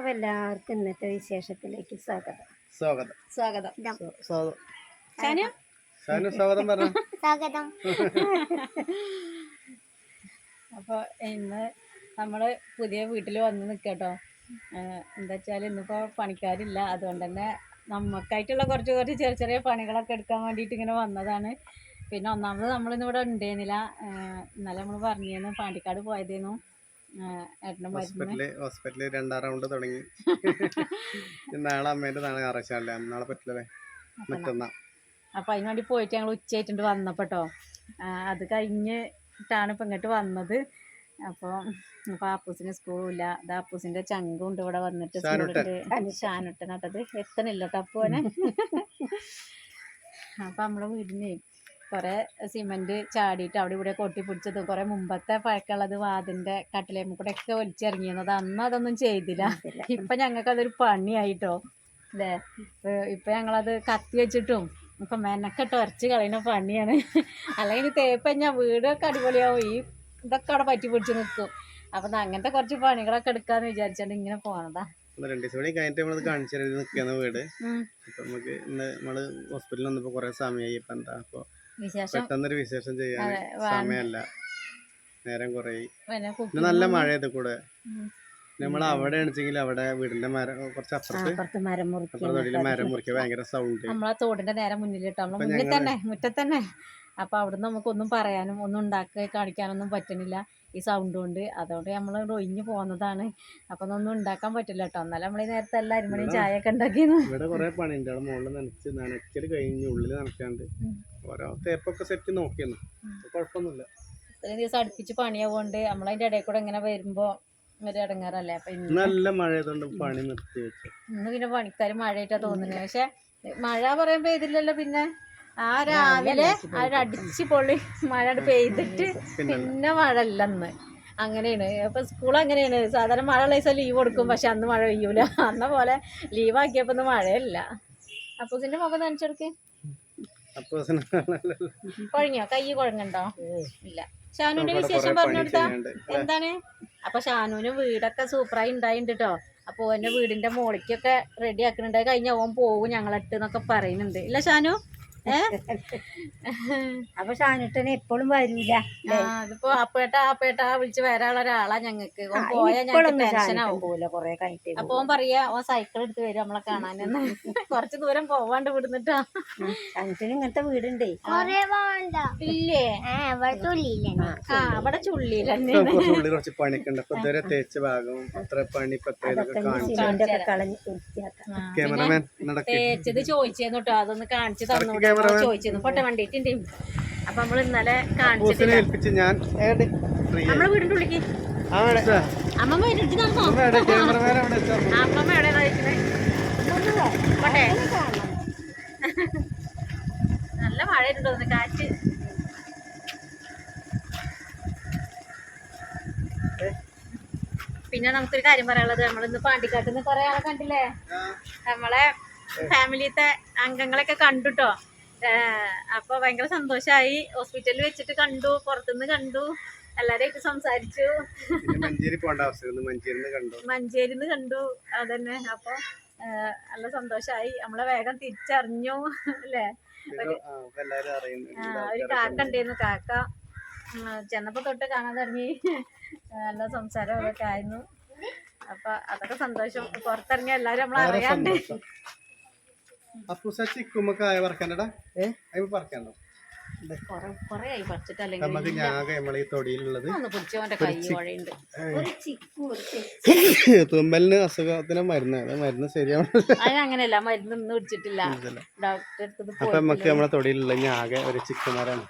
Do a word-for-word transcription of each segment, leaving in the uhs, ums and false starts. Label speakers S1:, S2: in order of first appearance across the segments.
S1: അപ്പോൾ എല്ലാവർക്കും ഇന്നത്തെ വിശേഷത്തിലേക്ക് സ്വാഗതം.
S2: സ്വാഗതം
S3: സ്വാഗതം
S2: സ്വാഗതം
S3: ഷാനു
S2: ഷാനു സ്വാഗതം പറഞ്ഞു.
S1: സ്വാഗതം.
S3: അപ്പോൾ ഇന്ന് നമ്മൾ പുതിയ വീട്ടിൽ വന്ന് നിൽക്കട്ടോ. എന്താ വെച്ചാൽ ഇന്നിപ്പോൾ പണിക്കാരില്ല, അതുകൊണ്ട് തന്നെ നമുക്കായിട്ടുള്ള കുറച്ച് കുറച്ച് ചെറിയ ചെറിയ പണികളൊക്കെ എടുക്കാൻ വേണ്ടിയിട്ട് ഇങ്ങനെ വന്നതാണ്. പിന്നെ ഒന്നാമത് നമ്മളിന്നിവിടെ ഉണ്ടായിരുന്നില്ല. ഇന്നലെ നമ്മൾ പറഞ്ഞിരുന്നു പാണ്ടിക്കാട് പോയതേന്നു. ഏട്ടൻ്റെ മരുന്ന്
S2: ഹോസ്പിറ്റലിൽ രണ്ടാം റൗണ്ട് തുടങ്ങി. നാളെ അമ്മേൻ്റെ നാളെ ഞായറാഴ്ച, നാളെ പറ്റില്ലേ മറ്റന്നാ.
S3: അപ്പോൾ അതിന് വേണ്ടി പോയിട്ട് ഞങ്ങൾ ഉച്ചയായിട്ടുണ്ട് വന്നപ്പോട്ടോ. അത് കഴിഞ്ഞിട്ടാണ് ഇപ്പം ഇങ്ങോട്ട് വന്നത്. അപ്പോൾ അപ്പോൾ ആപ്പൂസിന് സ്കൂളില്ല. അത് ആപ്പൂസിൻ്റെ ചങ്കുണ്ട് ഇവിടെ വന്നിട്ട് സ്കൂളിൽ ഷാനുട്ടനട്ടത് എത്തണില്ല ടപ്പോനെ. അപ്പം നമ്മളെ വീടിന് കുറേ സിമെൻറ്റ് ചാടിയിട്ട് അവിടെ ഇവിടെ കൊട്ടി പിടിച്ചതും കുറേ മുമ്പത്തെ പഴക്കമുള്ളത് വാതിൻ്റെ കട്ടിലേമ്മ കൂടെ ഒക്കെ വലിച്ചിറങ്ങിയത്. അന്ന് അതൊന്നും ചെയ്തില്ല. ഇപ്പം ഞങ്ങൾക്കതൊരു പണിയായിട്ടോ അല്ലേ. ഇപ്പം ഞങ്ങളത് കത്തി വെച്ചിട്ടും ഇപ്പം മെനക്കെട്ട് ഉരച്ച് കളയുന്ന പണിയാണ്. അല്ലെങ്കിൽ തേപ്പ് ഞാൻ വീടൊക്കെ അടിപൊളിയാവും, ഈ ഇതൊക്കെ അവിടെ പറ്റി പിടിച്ച് നിൽക്കും. അപ്പം അങ്ങനത്തെ കുറച്ച് പണികളൊക്കെ എടുക്കാന്ന് വിചാരിച്ചാണ്ട് ഇങ്ങനെ പോണതാ.
S2: രണ്ട് ദിവസം കൂടി കഴിഞ്ഞിട്ട് നമ്മളത് കാണിച്ചു നിൽക്കുന്ന വീട്. അപ്പം നമുക്ക് ഇന്ന് നമ്മള് ഹോസ്പിറ്റലിൽ വന്നപ്പോൾ കുറേ സമയമായി. ഇപ്പം എന്താ അപ്പോൾ പെട്ടെന്നൊരു വിശേഷം ചെയ്യാൻ സമയമല്ല, നേരം കുറേ. നല്ല മഴ ഇത് കൂടെ നമ്മൾ അവിടെ ആണെച്ചെങ്കിൽ അവിടെ വീടിന്റെ മരം കുറച്ച് അപ്പുറത്ത്
S1: മരം
S2: തൊടിയിൽ മരം മുറിക്കുക ഭയങ്കര സൗണ്ട്.
S3: നമ്മളെ തോടിന്റെ നേരെ മുന്നിലിട്ടോ, നമ്മളെ മുന്നിൽ തന്നെ മുറ്റത്ത് തന്നെ. അപ്പൊ അവിടുന്ന് നമുക്കൊന്നും പറയാനും ഒന്നും ഉണ്ടാക്കി കാണിക്കാനൊന്നും പറ്റണില്ല ഈ സൗണ്ട് കൊണ്ട്. അതുകൊണ്ട് നമ്മൾ ഒഴിഞ്ഞു പോകുന്നതാണ്. അപ്പൊ ഒന്നും ഉണ്ടാക്കാൻ പറ്റില്ല കേട്ടോ. എന്നാലും നമ്മൾ ഈ നേരത്തെ എല്ലാ അരിമണിയും ചായ ഒക്കെ ഉണ്ടാക്കിയിരുന്നു.
S2: ഇവിടെ കുറെ പണിയുണ്ട്. അവിടെ മുകളിൽ നനച്ച് നനയ്ക്കല് കഴിഞ്ഞ് ഉള്ളിൽ നനയ്ക്കാണ്ട് ഓരോ തേപ്പൊക്കെ സെറ്റ് നോക്കിയെന്നു, കുഴപ്പമൊന്നുമില്ല.
S3: ഇത്രയും ദിവസം അടുപ്പിച്ച് പണിയാവുകൊണ്ട് നമ്മളതിന്റെ ഇടയിൽ കൂടെ ഇങ്ങനെ വരുമ്പോ ഒരു ഇടങ്ങാറല്ലേ. അപ്പൊ
S2: നല്ല മഴ ആയതുകൊണ്ട് പണി നിർത്തി വെച്ചു.
S3: ഇന്ന് പിന്നെ പണിക്കാർ മഴയായിട്ടാ തോന്നുന്നത്. പക്ഷെ മഴ പറയുമ്പോ ഇതില്ലല്ലോ. പിന്നെ ആ രാവിലെ ആ അടിച്ച് പൊള്ളി മഴ പെയ്തിട്ട് പിന്നെ മഴ ഇല്ലെന്ന് അങ്ങനെയാണ്. അപ്പൊ സ്കൂൾ അങ്ങനെയാണ്. സാധാരണ മഴ ഉള്ള ദിവസം ലീവ് കൊടുക്കും, പക്ഷെ അന്ന് മഴ പെയ്യൂല. അന്ന പോലെ ലീവാക്കിയപ്പോ ഒന്നും മഴയില്ല. അപ്പൂസിന്റെ മുഖം നനച്ചെടുക്ക്. കുഴങ്ങിയോ? കൈ കുഴങ്ങണ്ടോ? ഇല്ല. ഷാനുവിന്റെ വിശേഷം പറഞ്ഞു കൊടുത്താ എന്താണ്? അപ്പൊ ഷാനുവിന് വീടൊക്കെ സൂപ്പറായി ഉണ്ടായിട്ടുണ്ട് കേട്ടോ. അപ്പൊ എന്റെ വീടിന്റെ മോളിക്കൊക്കെ റെഡി ആക്കുന്നുണ്ട്. കഴിഞ്ഞ ഓൻ പോവും ഞങ്ങളിട്ട് എന്നൊക്കെ പറയുന്നുണ്ട്. ഇല്ല ഷാനു?
S1: അപ്പൊ ഷാനുട്ടനെ എപ്പോഴും വരൂല.
S3: അതിപ്പോ അപ്പേട്ട അപ്പേട്ട വിളിച്ച് വരാനുള്ള ഒരാളാ ഞങ്ങക്ക്. ഓൻ പോയാൽ ഞങ്ങൾക്ക് ടെൻഷനാവും.
S1: കൊറേ കഴിഞ്ഞിട്ട്
S3: അപ്പൊ ഓൻ പറയാ ഓൻ സൈക്കിൾ എടുത്ത് വരും നമ്മളെ കാണാനെന്ന്. കൊറച്ച് ദൂരം പോവാണ്ട് വിടുന്നിട്ടാ.
S1: ഷാനുട്ടന് ഇങ്ങനത്തെ വീടുണ്ടേ.
S3: ഇല്ലേ? ആ അവിടെ ചുള്ളിയിൽ
S2: കുറച്ച് പണിക്കുണ്ട്. അപ്പൊ ഇതുവരെ തേച്ച ഭാഗം അത്ര പണി ക്യാമറമാൻ
S3: തേച്ചത് ചോദിച്ചേന്നു കേട്ടോ. അതൊന്ന് കാണിച്ചു തന്നോട്ടോ ചോദിച്ചിരുന്നു. ഫോട്ടോ കണ്ടിട്ടുണ്ട്. അപ്പൊ നമ്മള് ഇന്നലെ കാണിച്ചിട്ടില്ല. നമ്മളെ വീടിന്റെ ഉള്ളിക്ക് അമ്മമ്മ വരുന്നുണ്ട്. നടന്നോ? അമ്മമ്മ എവിടെ കഴിക്കുന്നത്? പോട്ടെ. നല്ല മഴ ഉണ്ടോ? കാറ്റ്. പിന്നെ നമുക്കൊരു കാര്യം പറയാനുള്ളത്, നമ്മളിന്ന് പാണ്ടിക്കാട്ടിൽ നിന്ന് കുറെ ആളെ കണ്ടില്ലേ. നമ്മളെ ഫാമിലിത്തെ അംഗങ്ങളൊക്കെ കണ്ടുട്ടോ. അപ്പൊ ഭയങ്കര സന്തോഷായി. ഹോസ്പിറ്റലിൽ വെച്ചിട്ട് കണ്ടു, പുറത്തുനിന്ന് കണ്ടു, എല്ലാരായിട്ട് സംസാരിച്ചു. മഞ്ചേരിന്ന് കണ്ടു. അതന്നെ. അപ്പൊ നല്ല സന്തോഷായി. നമ്മളെ വേഗം തിരിച്ചറിഞ്ഞു അല്ലേ. ഒരു കാക്ക ഉണ്ടായിരുന്നു. കാക്ക ചെന്നപ്പോ തൊട്ട് കാണാൻ തുടങ്ങി. നല്ല സംസാരം അതൊക്കെ ആയിരുന്നു. അപ്പൊ അതൊക്കെ സന്തോഷം. പുറത്തിറങ്ങിയ എല്ലാരും നമ്മളെ അറിയാണ്ട്.
S2: തുമ്മലിന് അസുഖത്തിന് മരുന്ന് മരുന്ന് ശരിയാവും.
S3: അങ്ങനെയല്ല, മരുന്ന് ഒന്നും പിടിച്ചിട്ടില്ല. ഡോക്ടറെ
S2: അപ്പൊ നമുക്ക് നമ്മളെ തൊടിയിലുള്ള ആകെ ഒരു ചിക്കുമരാണ്.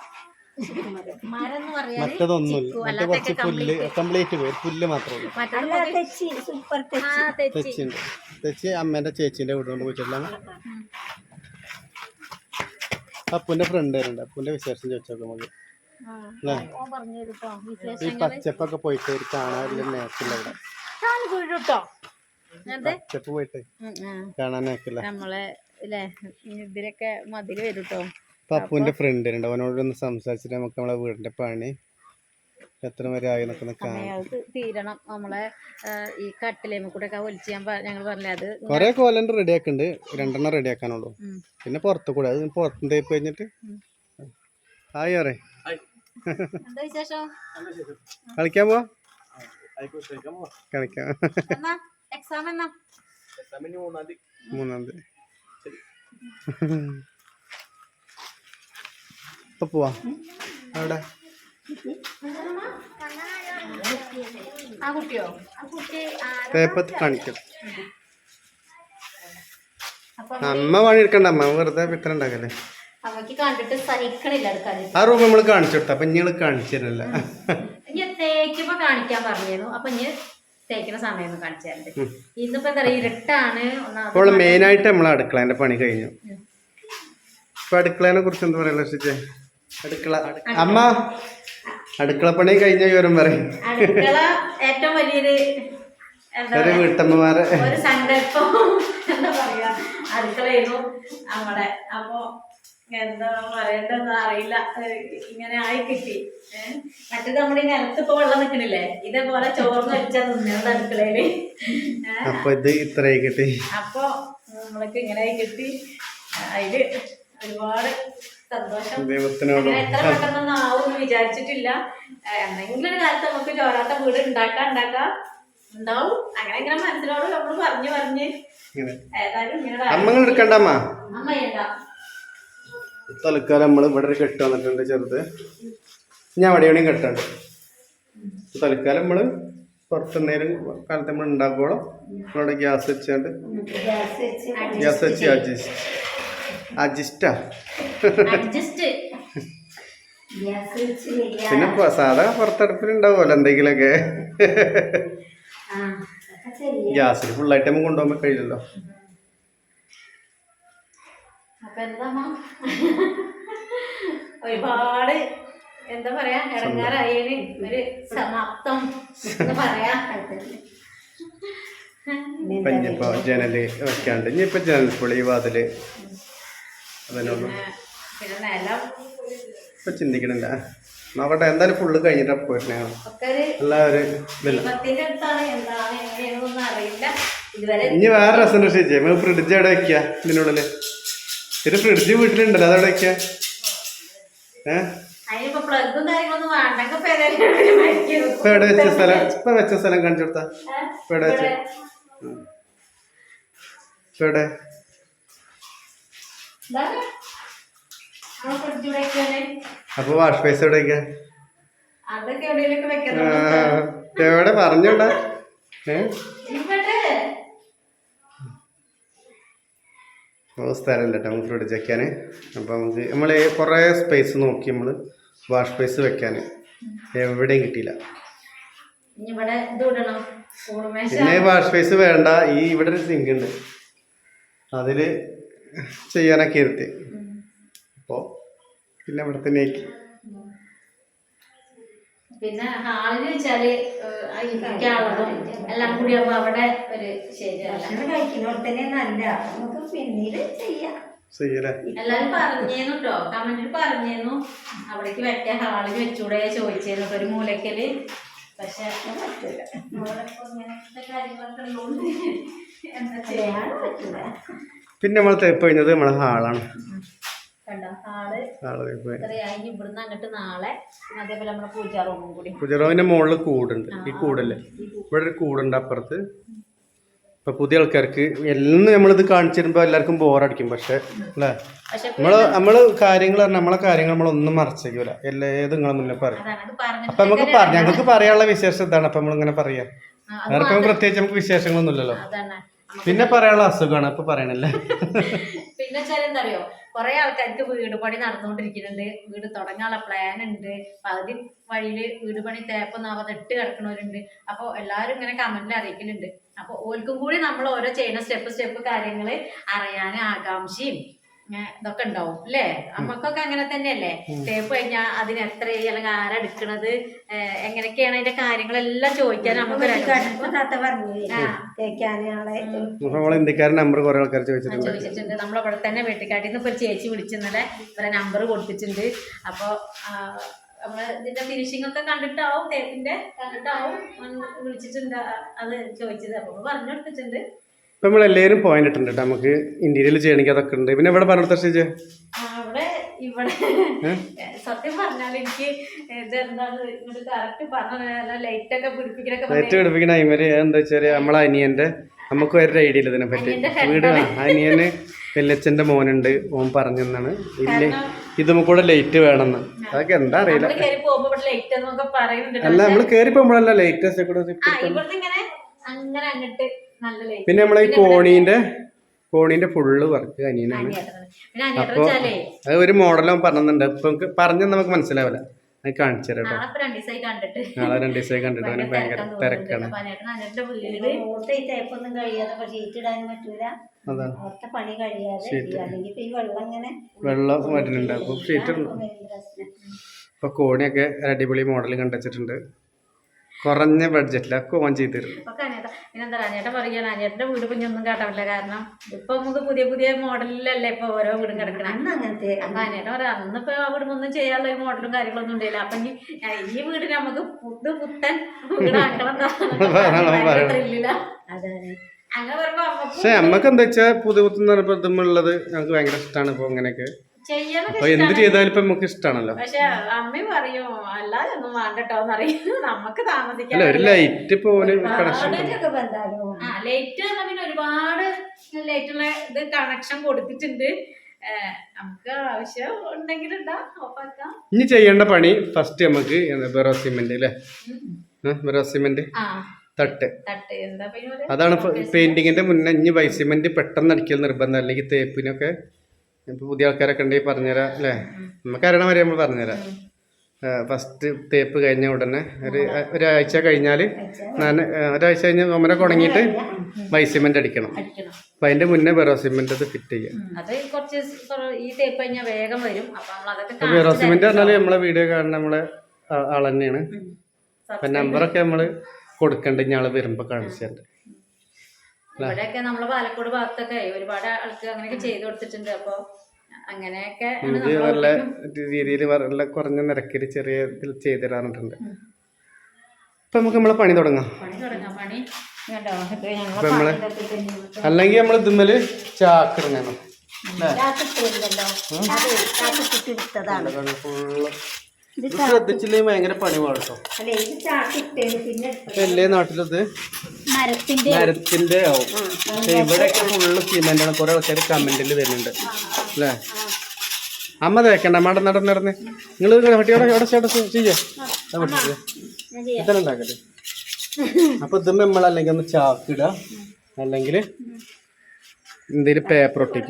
S2: മറ്റതൊന്നുമില്ല. മറ്റേ കുറച്ച് പുല്ല് കംപ്ലീറ്റ് പോയി. പുല്ല് മാത്രമേ ഉള്ളൂ. തെച്ചിണ്ട്. തെച്ചി അമ്മേന്റെ ചേച്ചിന്റെ വീട് കൊണ്ട് പോയിട്ടില്ല. അപ്പൂന്റെ ഫ്രണ്ട് വരുന്നുണ്ട്. അപ്പൂന്റെ വിശേഷം ചോദിച്ചോക്കെ നമുക്ക്. ഈ പച്ചപ്പൊക്കെ പോയിട്ട് ഒരു കാണാറില്ല നേക്കില്ല. ഇവിടെ പച്ചപ്പ് പോയിട്ട് കാണാൻ നേക്കില്ല.
S3: നമ്മളെ ഇതിലൊക്കെ മതില് വരും കേട്ടോ.
S2: അപ്പൂന്റെ ഫ്രണ്ട് ഉണ്ട്. അവനോടൊന്ന് സംസാരിച്ചിട്ട് നമുക്ക് നമ്മളെ വീടിന്റെ പണി എത്ര വരെ ആയി എന്നൊക്കെ ഒന്ന് കാണാം.
S3: അത് തീരണം നമ്മളെ ഏഹ്, ഈ കട്ടിലേമ കൂടെ ഒക്കെ ഒലിച്ച് ഞാൻ ഞങ്ങൾ പറഞ്ഞില്ലേ അത്
S2: കൊറേ കോലണ്ട് റെഡി ആക്കുന്നുണ്ട്, രണ്ടെണ്ണം റെഡി ആക്കാനുള്ളൂ.
S3: ഉം.
S2: പിന്നെ പുറത്ത് കൂടെ അത് പുറത്തും തേപ്പ് കഴിഞ്ഞിട്ട് ഹായ് പറ
S3: എന്താ വിശേഷം?
S2: കളിക്കാൻ പോവാ കളിക്കാം.
S3: എന്നാ എക്സാം എന്നാ?
S2: മൂന്നാം തീയതി ഇപ്പൊ പോവാ. അവിടെ
S3: ആ കുട്ടിയോ?
S2: തേപ്പത്ത് കാണിക്കാം.
S3: അപ്പൊ
S2: അമ്മ പണി എടുക്കണ്ട, അമ്മ വെറുതെ പിത്തന ഉണ്ടാക്കല്ലേ.
S3: അവക്ക് കണ്ടിട്ട് സഹിക്കണില്ല എടുക്കാൻ.
S2: ആ റൂം നമ്മള് കാണിച്ചു കൊടുത്ത, അപ്പൊ ഇങ്ങള് കാണിച്ചിരുന്നില്ല.
S3: ഇനി തേക്കുമ്പോ കാണിക്കാൻ പറഞ്ഞിരുന്നു. അപ്പൊ ഇനി തേക്കുന്ന സമയം ഒന്ന് കാണിച്ചു തരണ്ട്. ഇന്നിപ്പോ എന്താ പറയാ, ഇരുട്ടാണ്.
S2: അപ്പോൾ മെയിൻ ആയിട്ട് നമ്മളെ അടുക്കളേന്റെ പണി കഴിഞ്ഞു. ഇപ്പൊ അടുക്കളേനെ കുറിച്ച് എന്താ പറയാ ലക്ഷിച്ചേ? അടുക്കള അമ്മ അടുക്കള പണി കഴിഞ്ഞ വിവരം പറയും.
S3: അടുക്കള ഏറ്റവും വലിയൊരു എന്താ
S2: ഒരു വീട്ടമ്മമാരെ
S3: ഒരു സങ്കല്പം എന്താ പറയാ, അടുക്കളയായിരുന്നു നമ്മുടെ. അപ്പൊ എന്താ പറയണ്ടെന്ന് അറിയില്ല, ഇങ്ങനെ ആയി കിട്ടി. ഏഹ് മറ്റേത് നമ്മുടെ ഈ നിലത്ത് ഇപ്പൊ വെള്ളം നിക്കണില്ലേ, ഇതേപോലെ ചോർന്ന് വെച്ചാ നിന്നത് അടുക്കളയില്.
S2: അപ്പൊ ഇത് ഇത്രയായി കിട്ടി.
S3: അപ്പൊ നമ്മൾക്ക് ഇങ്ങനെ ആയി കിട്ടി. അതില് ഒരുപാട് സന്തോഷം.
S2: ദൈവത്തിനോട്
S3: അങ്ങനെ എത്ര പെട്ടെന്നൊന്നും ആവും വിചാരിച്ചിട്ടില്ല. എന്തെങ്കിലും ഒരു കാലത്ത് നമുക്ക് ചോരാത്ത വീട് ഉണ്ടാക്കാൻ ഉണ്ടാക്കാം ഉണ്ടാവും. അങ്ങനെ ഇങ്ങനെ മനസ്സിനോട് നമ്മള് പറഞ്ഞു പറഞ്ഞ് ഏതായാലും ഇങ്ങനെ
S2: അമ്മങ്ങൾ എടുക്കണ്ട. അമ്മ
S3: അമ്മ ചെയ്യണ്ട.
S2: തൽക്കാലം നമ്മള് ഇവിടെ ഒരു കെട്ട് വന്നിട്ടുണ്ട് ചെറുത്. ഞാൻ അവിടെ എവിടെയും കെട്ടുണ്ട്. തൽക്കാലം നമ്മള് പുറത്തുനേരം കാലത്ത് നമ്മൾ ഉണ്ടാക്കുമ്പോഴും നമ്മളിവിടെ ഗ്യാസ് വെച്ചാണ്ട് ഗ്യാസ് വെച്ച് അഡ്ജസ്റ്റ് അഡ്ജസ്റ്റാ
S3: അഡ്ജസ്റ്റ്
S2: പിന്നെ സാധാ പുറത്തടുപ്പിലുണ്ടാവുമല്ലോ എന്തെങ്കിലുമൊക്കെ. ഗ്യാസിൽ ഫുള്ളായിട്ട് നമുക്ക് കൊണ്ടുപോകാൻ കഴിയില്ലല്ലോ.
S3: അപ്പൊ എന്താ ഒരുപാട് എന്താ പറയാ ഇറങ്ങാറായതിന് ഒരു സമാപ്തം എന്ന് പറയാ.
S2: ഇപ്പൊ ഇനിയിപ്പോ ജനല് വെക്കാണ്ട് ഇനിയിപ്പോ ജനൽ പൊളി വാതില് അതിനൊന്നും
S3: പിന്നെ നിലം
S2: ഇപ്പൊ ചിന്തിക്കണില്ല. നോക്കട്ടെ എന്തായാലും ഫുള്ള് കഴിഞ്ഞിട്ടാ പോയിരുന്നേ.
S3: ഒക്കെ ഒരു
S2: എല്ലാവരും ഇതില്ല.
S3: ദൈവത്തിന്റെ അടുത്താണ്, എന്താണ് എങ്ങനെയാണെന്നൊന്നും അറിയില്ല ഇതുവരെ.
S2: ഇനി വേറെ രസം രക്ഷിച്ചേ നമുക്ക് ഫ്രിഡ്ജ് എവിടെ വെക്കുക? ഇതിനുള്ളില് ഒരു ഫ്രിഡ്ജ് വീട്ടിലുണ്ടല്ലോ, അതവിടെ വെക്കുക. ഏഹ്
S3: അതിനിപ്പോ പ്ലഗും കാര്യങ്ങളൊന്നും വേണ്ടെങ്കിൽ ഇപ്പൊ ഏതായാലും മരിക്കും.
S2: ഇപ്പൊ എവിടെ വെച്ച സ്ഥലം? ഇപ്പൊ വെച്ച സ്ഥലം കാണിച്ചു കൊടുത്താ. ഇപ്പൊ എവിടെ വെച്ച ഇപ്പൊ എവിടെ? അപ്പൊ വാഷ് ബേസ് എവിടെ വെക്കുക?
S3: അതൊക്കെ എവിടെയെങ്കിലും വെക്കണം.
S2: എവിടെ പറഞ്ഞോണ്ടാ? ഏഹ് സ്ഥലമില്ല കേട്ടോ നമുക്ക് ഫ്രിഡ്ജ് വെക്കാൻ. അപ്പം നമുക്ക് നമ്മൾ കുറേ സ്പേസ് നോക്കി നമ്മൾ വാഷ് സ്പേസ് വെക്കാൻ എവിടെയും കിട്ടിയില്ല. പിന്നെ വാഷ് സ്പേസ് വേണ്ട, ഈ ഇവിടെ ഒരു സിങ്ക് ഉണ്ട് അതിൽ ചെയ്യാനൊക്കെ ഇരുത്തി. അപ്പോൾ പിന്നെ ഇവിടെ തന്നെ ആക്കി.
S3: പിന്നെ ഹാളില് വെച്ചാല് ഇരിക്കാനുള്ളതും എല്ലാം കൂടി ആകുമ്പോ അവിടെ ഒരു ശരിയല്ല.
S1: കഴിക്കുന്നോടത്തന്നെ നല്ല നമുക്ക് പിന്നീട് ചെയ്യാം.
S3: എല്ലാരും പറഞ്ഞേന്നു കേട്ടോ, കമന്റിൽ പറഞ്ഞേന്നു അവിടേക്ക് വെക്കാൻ ഹാളിൽ വെച്ചൂടെ ചോദിച്ചേന്നു ഒരു മൂലക്കല്. പക്ഷെ ഇങ്ങനത്തെ കാര്യങ്ങളൊക്കെ ഉള്ളതുകൊണ്ട് എന്താ ചെയ്യാൻ പറ്റൂല.
S2: പിന്നെ നമ്മൾ തേപ്പ് കഴിഞ്ഞത് നമ്മളെ ഹാളാണ്.
S3: കണ്ടോ ഹാള് ഇത്രയായി. ഇവിടുന്ന് അങ്ങോട്ട് നാളെ അതേപോലെ നമ്മുടെ പൂജാ റൂമും കൂടി.
S2: പൂജാ റൂമിന്റെ മുകളിൽ കൂടുണ്ട്. ഈ കൂടല്ലേ, ഇവിടെ ഒരു കൂടുണ്ട് അപ്പുറത്ത്. ഇപ്പൊ പുതിയ ആൾക്കാർക്ക് എല്ലാം നമ്മളിത് കാണിച്ചു തരുമ്പോ എല്ലാവർക്കും ബോറടിക്കും. പക്ഷെ അല്ലേ നമ്മള് നമ്മള് കാര്യങ്ങൾ പറഞ്ഞാൽ നമ്മളെ കാര്യങ്ങൾ നമ്മളൊന്നും മറച്ചേക്കൂല. എല്ലാ ഏത് നിങ്ങളെ മുന്നേ പറയും. അപ്പൊ നമുക്ക് പറഞ്ഞു ഞങ്ങൾക്ക് പറയാനുള്ള വിശേഷം ഇതാണ്. അപ്പൊ നമ്മളിങ്ങനെ പറയാ. വേറെ പ്രത്യേകിച്ച് നമുക്ക് വിശേഷങ്ങളൊന്നും ഇല്ലല്ലോ. പിന്നെ പറയാനുള്ള അസുഖമാണ് ഇപ്പൊ പറയണല്ലേ.
S3: പിന്നെ വെച്ചാൽ എന്താ അറിയോ, കുറെ ആൾക്കാർക്ക് വീട് പണി നടന്നുകൊണ്ടിരിക്കുന്നുണ്ട്. വീട് തുടങ്ങാനുള്ള പ്ലാൻ ഉണ്ട്. പകുതി വഴിയില് വീട് പണി തേപ്പൊന്നാവാതെ ഇട്ട് കിടക്കണവരുണ്ട്. അപ്പോൾ എല്ലാവരും ഇങ്ങനെ കമന്റിൽ അറിയിക്കലുണ്ട്. അപ്പൊ ഓൽക്കും കൂടി നമ്മൾ ഓരോ ചെയ്യുന്ന സ്റ്റെപ്പ് സ്റ്റെപ്പ് കാര്യങ്ങൾ അറിയാൻ ആകാംക്ഷയും ഇതൊക്കെ ഉണ്ടാവും അല്ലേ? നമ്മക്കൊക്കെ അങ്ങനെ തന്നെയല്ലേ? തേപ്പ് കഴിഞ്ഞാൽ അതിന് എത്ര അല്ലെങ്കിൽ ആരെടുക്കണത്, എങ്ങനെയൊക്കെയാണ് അതിന്റെ കാര്യങ്ങളെല്ലാം ചോദിക്കാൻ നമുക്ക്
S2: നമ്പർ കുറെ ആൾക്കാർ ചോദിച്ചിട്ടുണ്ട്
S3: ചോദിച്ചിട്ടുണ്ട് നമ്മളവിടെ തന്നെ വെട്ടിക്കാട്ടിൽ നിന്ന് ഇപ്പൊ ഒരു ചേച്ചി വിളിച്ചിരുന്നല്ലേ ഇവരെ നമ്പർ കൊടുത്തിട്ടുണ്ട്. അപ്പോൾ നമ്മള് ഇതിന്റെ ഫിനിഷിംഗ് ഒക്കെ കണ്ടിട്ടാവും തേപ്പിന്റെ കണ്ടിട്ടാവും വിളിച്ചിട്ടുണ്ട് അത് ചോദിച്ചത്. അപ്പൊ പറഞ്ഞു കൊടുത്തിട്ടുണ്ട്.
S2: ഇപ്പൊ നമ്മളെല്ലാവരും പോയിന്റ് ഇട്ടുണ്ട് കേട്ടോ. നമുക്ക് ഇന്റീരിയൽ ചെയ്യണമെങ്കിൽ അതൊക്കെ ഉണ്ട്. പിന്നെ ഇവിടെ പറഞ്ഞു കൊടുത്ത
S3: അവിടെ ഇവിടെ സത്യം പറഞ്ഞാൽ എനിക്ക് ഇതെന്താണ് ഇങ്ങോട്ട് കറക്റ്റ് പറഞ്ഞ ലൈറ്റ് ഒക്കെ പിടിപ്പിക്കലൊക്കെ
S2: ലൈറ്റ് പിടിപ്പിക്കണ അയിമര് എന്താ വെച്ചാല് നമ്മളെ അനിയന്റെ നമുക്ക് ഒരു ഐഡിയ ഇല്ല ഇതിനെ പറ്റി. വീട് അനിയന് വല്യച്ഛന്റെ മോനുണ്ട്, ഓൻ പറഞ്ഞെന്നാണ് ഇല്ലേ ഇത് കൂടെ ലൈറ്റ് വേണമെന്ന്. അതൊക്കെ എന്താ അറിയില്ല. അല്ല നമ്മള് കേറി പോകുമ്പോഴല്ല ലൈറ്റ് കൂടെ. പിന്നെ നമ്മളെ ഈ കോണീന്റെ കോണീന്റെ ഫുള്ള് വർക്ക് അനിയനാണ്. അപ്പൊ അത് ഒരു മോഡലും പറഞ്ഞിട്ടുണ്ട്. ഇപ്പൊ പറഞ്ഞ നമുക്ക് മനസ്സിലാവില്ല. അത് കാണിച്ചു തരാം കേട്ടോ. നാളെ രണ്ടു ദിവസമായി കണ്ടിട്ട് അവന് ഭയങ്കര തിരക്കാണ്. വെള്ളം വരുന്നുണ്ട്. അപ്പൊ ഷീറ്റ് ഇപ്പൊ കോണിയൊക്കെ അടിപൊളി മോഡൽ കണ്ടുവച്ചിട്ടുണ്ട്. കുറഞ്ഞ ബഡ്ജറ്റിലൊക്കെ ഓൺ ചെയ്ത് തരും.
S3: പിന്നെന്താ അനിയേട്ടൻ പറയുകയാണ് അനിയേട്ടന്റെ വീട് കുഞ്ഞൊന്നും കാട്ടാവില്ല. കാരണം ഇപ്പൊ നമുക്ക് പുതിയ പുതിയ മോഡലിലല്ലേ ഇപ്പൊ ഓരോ വീടും കിടക്കണം. അങ്ങനത്തെ അപ്പൊ അനിയേട്ടൻ പറയാം അന്നിപ്പോ ആ വീടുമൊന്നും ചെയ്യാനുള്ള ഒരു മോഡലും കാര്യങ്ങളൊന്നും ഉണ്ടായില്ല. അപ്പൊ ഈ വീട് നമുക്ക് പുത് പുത്തൻ വീടാക്കണം. അങ്ങനെ പറയുമ്പോ
S2: പക്ഷെ നമ്മക്ക് എന്താ വെച്ചാൽ പുതിയ പുത്തുള്ളത് ഞങ്ങൾക്ക് ഭയങ്കര ഇഷ്ടമാണ്. ഇപ്പൊ അങ്ങനെയൊക്കെ അപ്പൊ എന്ത് ചെയ്താലും ഇപ്പൊ നമുക്ക് ഇഷ്ടമാണല്ലോ.
S3: പക്ഷെ അമ്മ പറയും അല്ലാതെ ഒന്നും വേണ്ടട്ടോന്ന് അറിയും. നമുക്ക് താമസിക്കാൻ
S2: ഒരു ലൈറ്റ് പോലെ കണക്ഷൻ
S3: ലൈറ്റ് പിന്നെ ഒരുപാട് ലൈറ്റുള്ള ഇത് കണക്ഷൻ കൊടുത്തിട്ടുണ്ട്. നമുക്ക് ആവശ്യം ഉണ്ടെങ്കിൽ ഓഫാക്കാം.
S2: ഇനി ചെയ്യേണ്ട പണി ഫസ്റ്റ് നമുക്ക് ബെറോ സിമെന്റ് അല്ലേ, ബെറോ സിമെന്റ് തട്ട് അതാണ് പെയിന്റിങ്ങിന്റെ മുന്നേ. ഇനി വൈറ്റ് സിമെന്റ് പെട്ടെന്ന് അടിക്കൽ നിർബന്ധം. അല്ലെങ്കിൽ തേപ്പിനൊക്കെ ഇപ്പൊ പുതിയ ആൾക്കാരൊക്കെ ഉണ്ടെങ്കിൽ പറഞ്ഞുതരാം അല്ലേ. നമുക്ക് അറിയണ വരെ നമ്മൾ പറഞ്ഞുതരാം. ഫസ്റ്റ് തേപ്പ് കഴിഞ്ഞ ഉടനെ ഒരു ഒരാഴ്ച കഴിഞ്ഞാൽ ഞാൻ ഒരാഴ്ച കഴിഞ്ഞ് ഒമരൊക്കെ ഉണങ്ങിയിട്ട് വൈറ്റ് സിമെന്റ് അടിക്കണം. അപ്പൊ അതിന്റെ മുന്നേ ബെറോ സിമെന്റ് അത് ഫിറ്റ് ചെയ്യാം. ബെറോ സിമെന്റ് പറഞ്ഞാൽ നമ്മളെ വീഡിയോ കാണുന്ന നമ്മളെ ആൾ തന്നെയാണ്. അപ്പൊ നമ്പറൊക്കെ നമ്മള് കൊടുക്കണ്ട. ഞാള് വരുമ്പോ കാണിച്ചിട്ടുണ്ട്.
S3: ഇവിടെയൊക്കെ നമ്മള് പാലക്കോട് ഭാഗത്തൊക്കെ ഒരുപാട് ആൾക്ക് അങ്ങനെയൊക്കെ ചെയ്തു കൊടുത്തിട്ടുണ്ട്. അപ്പൊ അങ്ങനെയൊക്കെ
S2: നല്ല രീതിയിൽ നല്ല കുറഞ്ഞ നിരക്കിൽ ചെറിയ ഇതിൽ ചെയ്തു തരാറുണ്ട്. ഇപ്പൊ നമുക്ക് നമ്മളെ പണി തുടങ്ങാം. നമ്മള് അല്ലെങ്കിൽ നമ്മൾ ഇതുമ്മല് ചാക്കിടണം. ശ്രദ്ധിച്ചില്ലെങ്കിൽ ഭയങ്കര പണി പാടട്ടോ. എല്ലാ നാട്ടിലത് മരത്തിന്റെ ആവും. പക്ഷെ ഇവിടെയൊക്കെ ഫുള്ള് സിമെന്റ് ആണ്. കുറെ ആൾക്കാർ കമന്റിൽ വരുന്നുണ്ട് അല്ലേ. അമ്മ തേക്കണ്ട അമ്മ നടന്ന് നടന്ന് നിങ്ങൾ ഹട്ടിയോടെ എവിടെ ചേട്ടാ ചെയ്യേ ഇതെല്ലാം ഉണ്ടാക്കട്ടെ. അപ്പൊ ഇതും നമ്മളല്ലെങ്കിൽ ഒന്ന് ചാക്കിടുക, അല്ലെങ്കിൽ എന്തെങ്കിലും പേപ്പർ ഒട്ടിക്കുക.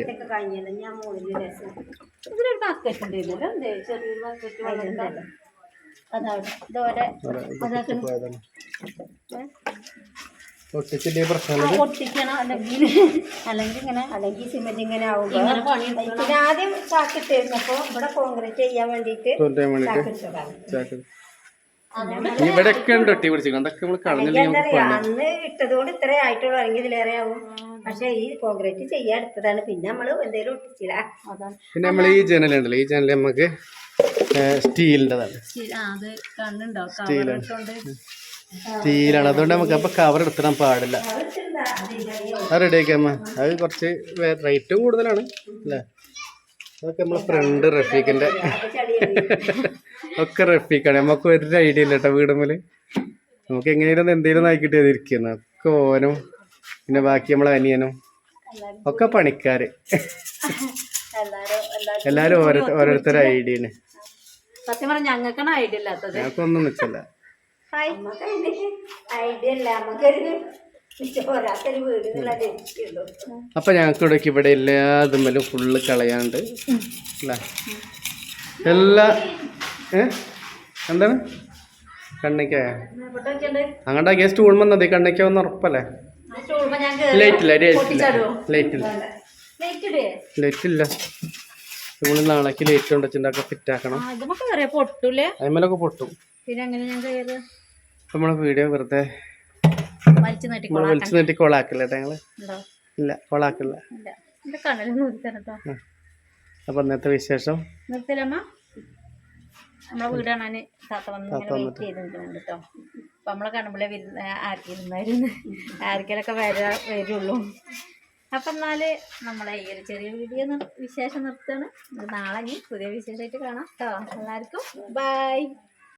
S2: ഒട്ടിച്ചില്ലേ പ്രശ്നം.
S1: അല്ലെങ്കിൽ അല്ലെങ്കിൽ ഇങ്ങനെ അല്ലെങ്കിൽ സിമെന്റ് ഇങ്ങനെ ആവുക. പിന്നെ ആദ്യം ചാക്കിട്ടിരുന്നപ്പോ ഇവിടെ കോൺക്രീറ്റ് ചെയ്യാൻ വേണ്ടിട്ട്
S2: ഇവിടെയൊക്കെ ഉണ്ട് ഒട്ടി പിടിച്ചിരിക്കും. അതൊക്കെ നമ്മൾ കളഞ്ഞില്ല.
S1: അന്ന് ഇട്ടതുകൊണ്ട് ഇത്രേ ആയിട്ടുള്ളൂ, അല്ലെങ്കിൽ ഇതിലേറെ ആവും. പക്ഷെ ഈ കോൺക്രീറ്റ് ചെയ്യാൻ എടുത്തതാണ്. പിന്നെ നമ്മള് എന്തെങ്കിലും ഒട്ടിച്ചില്ല.
S2: പിന്നെ നമ്മൾ ഈ ജനൽ ഉണ്ടല്ലോ, ഈ ജനൽ നമുക്ക് സ്റ്റീലിൻ്റെതാണ്. സ്റ്റീലാണ് സ്റ്റീലാണ് അതുകൊണ്ട് നമുക്ക് അപ്പൊ കവർ എടുത്തിടാൻ പാടില്ല. അത് റെഡിയാക്കാമ്മ. അത് കുറച്ച് റേറ്റും കൂടുതലാണ് അല്ലേ. അതൊക്കെ നമ്മളെ ഫ്രണ്ട് റഫീഖിന്റെ ഒക്കെ റഫീഖാണ്. നമുക്ക് ഒരു ഐഡിയ ഇല്ല കേട്ടോ വീടുമ്മല്. നമുക്ക് എങ്ങനെയാലും എന്തെങ്കിലും ആയിക്കിട്ട് ഇരിക്കുന്നു. ഒക്കെ ഓനും പിന്നെ ബാക്കി നമ്മളെ അനിയനും ഒക്കെ പണിക്കാര്. എല്ലാരും ഓരോ ഓരോരുത്തരുടെ ഐഡിയാണ്.
S3: സത്യം പറഞ്ഞ ഞങ്ങൾക്കാണ് ഐഡിയ ഇല്ലാത്തത്.
S2: ഞങ്ങൾക്കൊന്നും നിൽക്കില്ല. അപ്പൊ ഞങ്ങൾക്ക് ഇവിടെ ഇവിടെ എല്ലാതും ഫുള്ള് കളയാണ്ട് അല്ലേ. എല്ലാ ഏ എന്താണ് കണ്ണിക്ക അങ്ങോട്ടാക്കിയ സ്റ്റൂൾ വന്നത് കണ്ണിക്ക ഒന്ന് ഉറപ്പല്ലേ. ലൈറ്റില്ല ലൈറ്റില്ല ലൈറ്റില്ല നമ്മൾ നാളേക്ക് ലൈറ്റ് കൊണ്ടുവച്ചിട്ടൊക്കെ ഫിറ്റ് ആക്കണം. അതിമേലൊക്കെ പൊട്ടും. നമ്മളെ വീഡിയോ വെറുതെ വലിച്ചു നീട്ടി കൊളാക്കില്ല ഞങ്ങള്. ഇല്ല കൊളാക്കില്ല. അപ്പൊ ഇന്നത്തെ വിശേഷം
S3: നമ്മളെ വീട് കാണാൻ താത്ത വന്ന് ഇങ്ങനെ വെയിറ്റ് ചെയ്ത് നിൽക്കുന്നുണ്ട് കേട്ടോ. അപ്പം നമ്മളെ കാണുമ്പോഴേ വരുന്ന ആർക്കിരുന്നായിരുന്നു ആർക്കെങ്കിലൊക്കെ വരാ വരുള്ളൂ. അപ്പം എന്നാൽ നമ്മളെ ഈ ഒരു ചെറിയ വീഡിയോ വിശേഷം നിർത്തുകയാണ്. നാളെ ഇനി പുതിയ വിശേഷമായിട്ട് കാണാം കേട്ടോ. എല്ലാവർക്കും ബൈ.